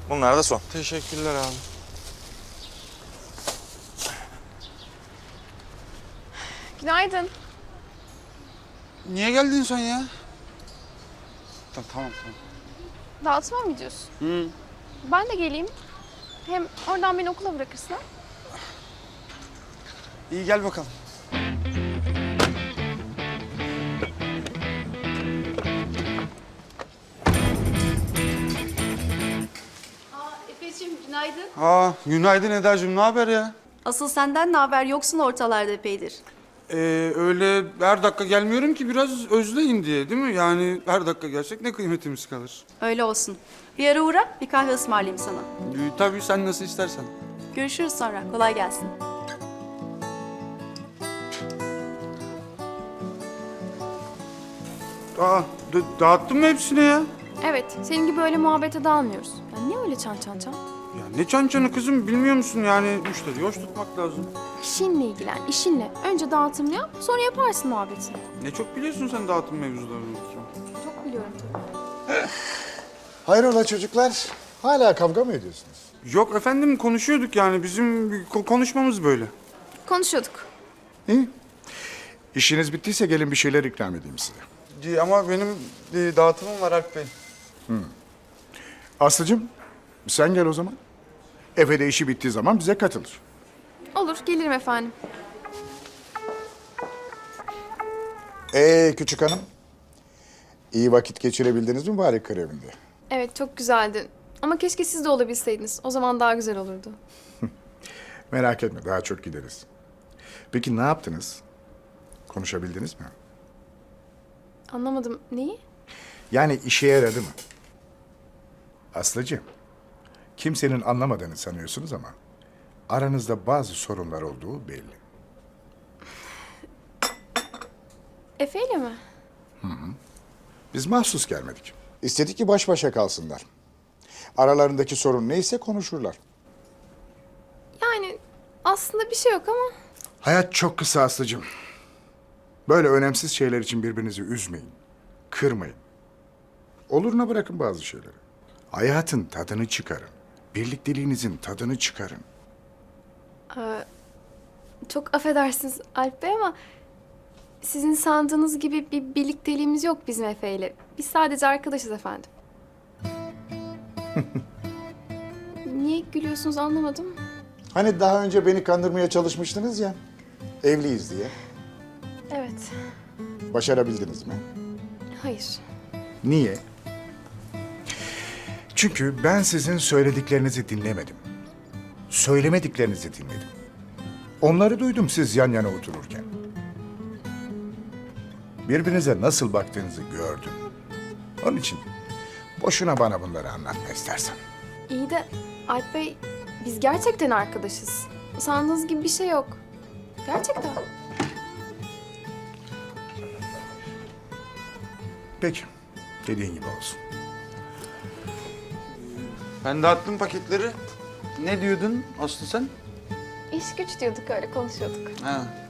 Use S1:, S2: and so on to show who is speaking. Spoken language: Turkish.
S1: Bunlar da son.
S2: Teşekkürler abi.
S3: Günaydın.
S2: Niye geldin sen ya? Tamam.
S3: Dağıtıma mı gidiyorsun?
S2: Hı.
S3: Ben de geleyim. Hem oradan beni okula bırakırsın ha?
S2: İyi gel bakalım.
S4: Efeciğim günaydın.
S2: Günaydın Eda'cığım, ne haber ya?
S4: Asıl senden ne haber? Yoksun ortalarda epeydir.
S2: Öyle her dakika gelmiyorum ki biraz özleyin diye değil mi? Yani her dakika gelsek ne kıymetimiz kalır.
S4: Öyle olsun. Bir ara uğra, bir kahve ısmarlayayım sana.
S2: Tabii sen nasıl istersen.
S4: Görüşürüz sonra. Kolay gelsin.
S2: Dağıttın mı hepsini ya?
S3: Evet, senin gibi öyle muhabbete dalmıyoruz. Ya niye öyle çan çan çan?
S2: Ya ne çançanı kızım, bilmiyor musun yani müşteriyi hoş tutmak lazım.
S3: İşinle ilgilen, işinle. Önce dağıtımını yap, sonra yaparsın muhabbetini.
S2: Ne çok biliyorsun sen dağıtım mevzularını.
S3: Çok biliyorum tabii.
S5: Hayrola çocuklar? Hala kavga mı ediyorsunuz?
S2: Yok efendim, konuşuyorduk yani, bizim konuşmamız böyle.
S3: Konuşuyorduk.
S5: İyi. İşiniz bittiyse gelin bir şeyler ikram edeyim size.
S2: Ama benim dağıtımım var Alp Bey.
S5: Aslıcığım sen gel o zaman. Efe de işi bittiği zaman bize katılır.
S3: Olur, gelirim efendim.
S5: Küçük hanım. İyi vakit geçirebildiniz mi bari kır evinde?
S3: Evet, çok güzeldi. Ama keşke siz de olabilseydiniz. O zaman daha güzel olurdu.
S5: Merak etme, daha çok gideriz. Peki ne yaptınız? Konuşabildiniz mi?
S3: Anlamadım. Neyi?
S5: Yani işe yaradı mı? Aslıcığım, kimsenin anlamadığını sanıyorsunuz ama aranızda bazı sorunlar olduğu belli.
S3: Efe'yle mi?
S5: Biz mahsus gelmedik. İstedik ki baş başa kalsınlar. Aralarındaki sorun neyse konuşurlar.
S3: Yani aslında bir şey yok ama...
S5: Hayat çok kısa Aslı'cığım. Böyle önemsiz şeyler için birbirinizi üzmeyin, kırmayın. Oluruna bırakın bazı şeyleri. Hayatın tadını çıkarın. Birlikteliğinizin tadını çıkarın.
S3: Çok affedersiniz Alp Bey ama... Sizin sandığınız gibi bir birlikteliğimiz yok bizim Efe'yle. Biz sadece arkadaşız efendim. Niye gülüyorsunuz anlamadım.
S5: Hani daha önce beni kandırmaya çalışmıştınız ya, evliyiz diye.
S3: Evet,
S5: Başarabildiniz mi?
S3: hayır.
S5: Niye? Çünkü ben sizin söylediklerinizi dinlemedim. Söylemediklerinizi dinledim. Onları duydum siz yan yana otururken. Birbirinize nasıl baktığınızı gördüm. Onun için boşuna bana bunları anlatma istersen.
S3: İyi de Alp Bey, biz gerçekten arkadaşız. Sandığınız gibi bir şey yok. Gerçekten.
S5: Peki, dediğin gibi olsun.
S2: Ben dağıttım paketleri. Ne diyordun Aslı sen?
S3: İş güç diyorduk, öyle konuşuyorduk.
S2: Ha.